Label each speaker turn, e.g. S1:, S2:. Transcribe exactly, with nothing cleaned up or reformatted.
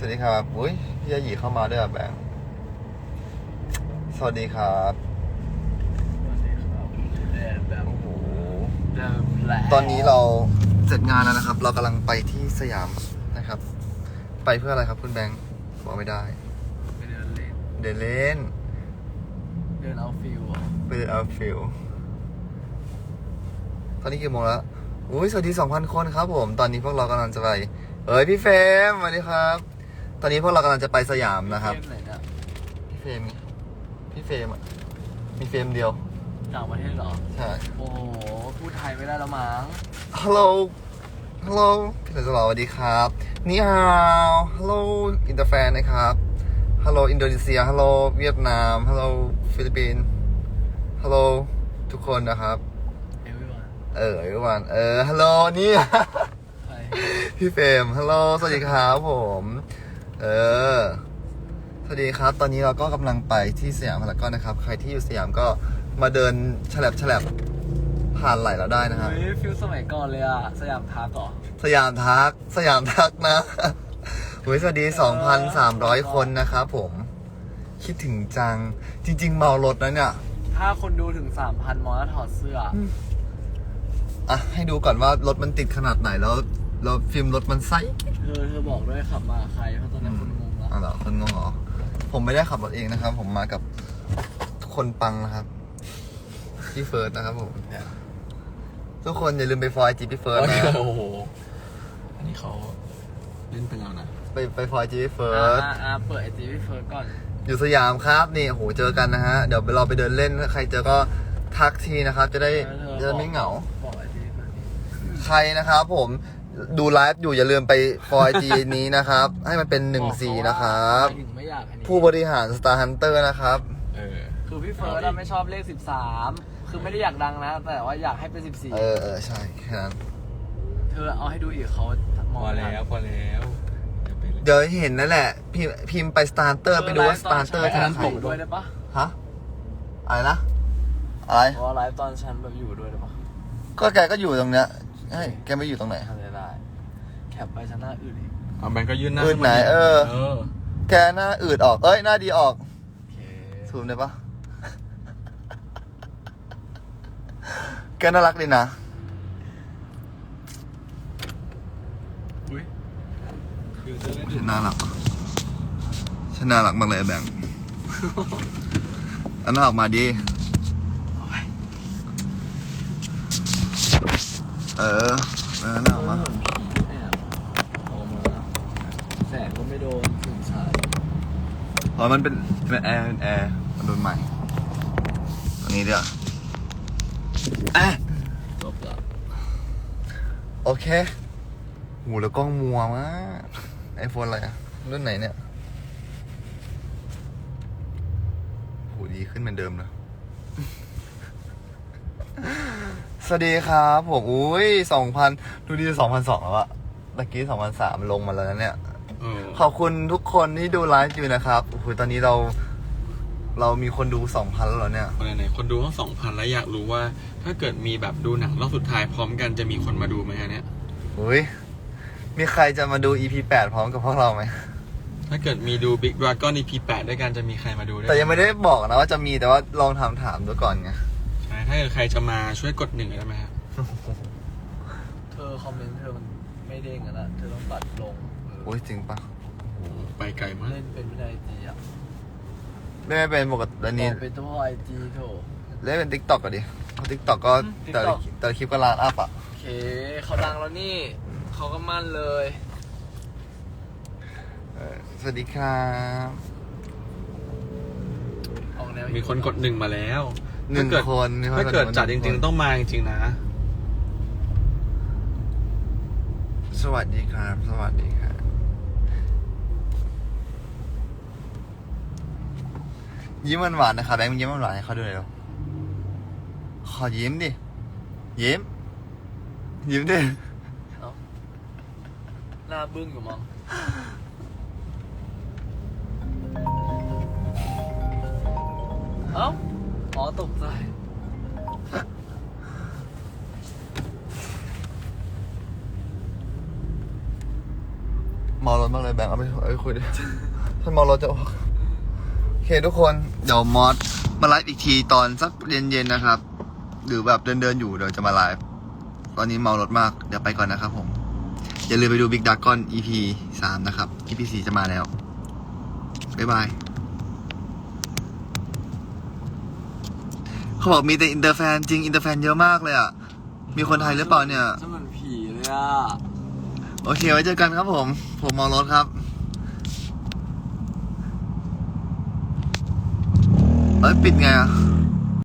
S1: วัสดีครับอุ้ยพี่ยาหยีเข้ามาด้วยอ่ะแบงค์สวัสดีครับ
S2: สวัสดีครับแบบ
S1: โอ้โห
S2: แบบ
S1: ตอนนี้เราเสร็จงานแล้วนะครับ เรากำลังไปที่สยามนะครับ ไปเพื่ออะไรครับคุณแบงค์บอกไม่ได้
S2: ไปเดินเล่น
S1: เดินเล่น
S2: เดินเอาฟิลอ่ะ
S1: ไปเดินเอาฟิลตอนนี้กี่โมงแล้วอุ้ยสวัสดีสองพันคนครับผม ตอนนี้พวกเรากำลังจะไปเอ้ยพี่เฟรมสวัสดีครับ ตอนนี้พวกเรากำลังจะไปสยามนะครับ
S2: เกมไหนเนี่ย
S1: พี่เฟรมไงพี่เฟรมอ่ะมีเฟรมเดียว
S2: ต่างประเทศเหรอ
S1: ใช่
S2: โอ้โหพูดไทยไม่ได้แล้วมั้ง
S1: ฮัลโหล ฮัลโหล พี่สาวสวัสดีครับ นี่ฮาว ฮัลโหล อินเตอร์แฟนนะครับ ฮัลโหล อินโดนีเซีย ฮัลโหล เวียดนาม ฮัลโหล ฟิลิปปินส์ ฮัลโหล ทุกคนนะครับ
S2: เอวิวัน
S1: เออทุกวันเออ ฮัลโหล นี่
S2: ใคร
S1: พี่เฟรม ฮัลโหล สวัสดีครับผม เออ สวัสดีครับ ตอนนี้เราก็กำลังไปที่สยามพารากอนนะครับ ใครที่อยู่สยามก็มาเดินฉลับฉลับผ่านไหลเราได้นะครับ
S2: เฮ้ยฟิลสมัยก่อนเลยอ่ะสยามพาร์คเหรอ
S1: สยามทัก สยามทักนะโอ้ยสวัสดี สองพันสามร้อย คนนะครับผม คิดถึงจัง จริง ๆ เมารถนะเนี่ย
S2: ถ้าคนดูถึง สามพัน มอสถอดเสื้อ
S1: อ่ะ ให้ดูก่อนว่ารถมันติดขนาดไหนแล้วแล้วฟิล์มรถมันไซส์
S2: เธอเธอบอกด้วยขับมาใครเพราะตอนนี้คนงงแล้ว
S1: อ๋อเหรอคนงงเหรอ ผมไม่ได้ขับรถเองนะครับ ผมมากับคนปังนะครับ พี่เฟิร์สนะครับผม ทุกคนอย่าลืมไปฟอยจีพี่เฟิร์สนะ
S3: โอ้โห อันนี้เขาเล่นไปแล้วนะ
S1: ไปไปฟอยจีพี่เฟิ
S2: อ่า
S1: ร์ส
S2: อ่าอ่าเปิดไอจีพี่เฟิร์สก่อน
S1: อยู่สยามครับนี่โอ้โหเจอกันนะฮะ เดี๋ยวเราไปเดินเล่นถ้าใครเจอก็ทักทีนะครับ จะได้
S2: เออ
S1: จะได้ไม่เหงา
S2: บอกไอจีพี่เฟิร์สนี่
S1: ใครนะครับผมดูไลฟ์อยู่อย่าลืมไปฟอยจีนี้นะครับ ให้มันเป็นหนึ่งสีนะครับ
S2: ถึงไม่อยากอันนี้
S1: ผู้บริหาร Star Hunter นะครับ
S3: เออ
S2: คือพี่เฟิร์สอะไม่ชอบเลขสิบสามคือไม่ได้อยากดังนะ แต่ว่าอยากให้เป็นสิบสี่
S1: เออเออใช่แค่นั้น
S2: เธอเอาให้ดูอีกเขาม
S3: พ
S2: อง
S3: อแล้วพอแล้วเดี๋ยวไปเลย
S1: เดี๋ยวเห็นนั่นแหละ พิมพ์พิมพ์ไป Star Hunter ไปดูว่า Star Hunter ธนาคาร
S2: อยู่ด้วยได้ปะ
S1: ฮะอะไรนะ อะไร
S2: เพราะว่าไลฟ์ตอนฉันแบบอยู่ด้วยได้ปะ
S1: ก็แกก็อยู่ตรงเนี้ยเฮ้ยแกไม่อยู่ตรงไหน
S2: ทำได้ได้แคปไปฉันหน้าอื่นอีก
S3: เอาแบงก์ก็ยื่นหน้า
S1: อืดไหนเออ
S3: เออ
S1: แกหน้าอืดออก เอ้ยหน้าดีออก
S2: โอเค
S1: ซูมได้ปะ แกน่ารักดีนะ
S3: อุ้ยคือจะเล่น
S1: ฉันน่ารักปะฉันน่ารักมากเลยแบงค์ อันน่าออกมาดี เออเออน่าออกมา
S2: แอบออกมาแสงก็ไม่โดนถึงสาย
S1: เพราะมันเป็นเป็นแอร์เป็นแอร์มันโดนใหม่ตรงนี้เดี๋ยวอ่ะ
S2: จบละ
S1: โอเคหูแล้วกล้องมัวมากไอโฟนอะไรอะรุ่นไหนเนี่ยโหดีขึ้นเหมือนเดิมเลย สวัสดีครับผมอุ้ยสองพันดูดีสองพันสองแล้วอะตะกี้สองพันสามลงมาแล้วนะเนี่ย
S3: เออ
S1: ขอบคุณทุกคนที่ดูไลฟ์อยู่นะครับโอ้โหตอนนี้เรา เรามีคนดูสองพันแล้วเหรอเนี่ย
S3: คนไหนๆคนดูต้องสองพันแล้วอยากรู้ว่า ถ้าเกิดมีแบบดูหนังรอบสุดท้ายพร้อมกันจะมีคนมาดูไหมฮะเนี่ย
S1: อุ้ยมีใครจะมาดู อี พี แปดพร้อมกับพวกเราไหม
S3: ถ้าเกิดมีดู Big Dragon อี พี แปดด้วยกันจะมีใครมาดูด้วย
S1: แต่ยังไม่ได้บอกนะว่าจะมีแต่ว่าลองถามถามดูก่อนไง
S3: ใช่ถ้าเกิดใครจะมาช่วยกดหนึ่งได้ไหมฮะ
S2: เธอคอมเมนต์เธอมันไม่เด้งอะนะเธอต้องตัดลงเออ
S1: โอ้ยจริงปะ
S3: โอ้โหไปไกลมาก
S2: เล่นเป็นไม่ได้ไอจีอ่ะ
S1: เล่นไม่เป็นปกติแล้ว
S2: บ
S1: นี้
S2: อกเป็นเฉพาะไอจีโถ
S1: เล่นเป็นทิกตอกก็ดิทิกตอกก็
S2: อืม
S1: แต่ละ
S2: TikTok
S1: แต่ละคลิปก็ล้านอัพอ่ะ
S2: โอเคเขาดังแล้วนี่เขาก็มั่นเลย
S1: เออสวัสดีครับ
S2: ออกแนว
S3: มีคนกดหนึ่งมาแล้ว
S1: หนึ่ง
S3: ถ้าเกิด
S1: คนมีคน
S3: ถ้าเกิด
S1: กดหนึ่ง
S3: จัดจริง
S1: คน
S3: ๆต้องมาจริงๆนะ
S1: สวัสดีครับ สวัสดีครับยิ้มหวานๆนะครับแบงค์ยิ้มหวานๆให้เขาดูหน่อยเร็วขอยิ้มดิ ยิ้ม ยิ้มดิ
S2: เอ้าหน้าบึ้งอยู่มั้งเอ้าอ๋อตกใจ
S1: เมารถมากเลยแบงค์เอาไปเอาไปคุยดิ ถ้าเมารถจะออกโอเคทุกคนเดี๋ยวมอสมาไลฟ์อีกทีตอนสักเย็นๆนะครับ หรือแบบเดินๆอยู่เดี๋ยวจะมาไลฟ์ตอนนี้เมารถมากเดี๋ยวไปก่อนนะครับผมอย่าลืมไปดู Big Dragon อี พี สามนะครับ อี พี สี่จะมาแล้วบ๊ายบายเขาบอกมีแต่อินเตอร์แฟนจริงอินเตอร์แฟนเยอะมากเลยอ่ะมีคนไทยหรือเปล่าเนี่ย
S2: จะเหมือนผีเลยอ่ะ
S1: โอเคไว้เจอกันครับผม ผมเมารถครับ เอ้ย ปิดไงอ่ะ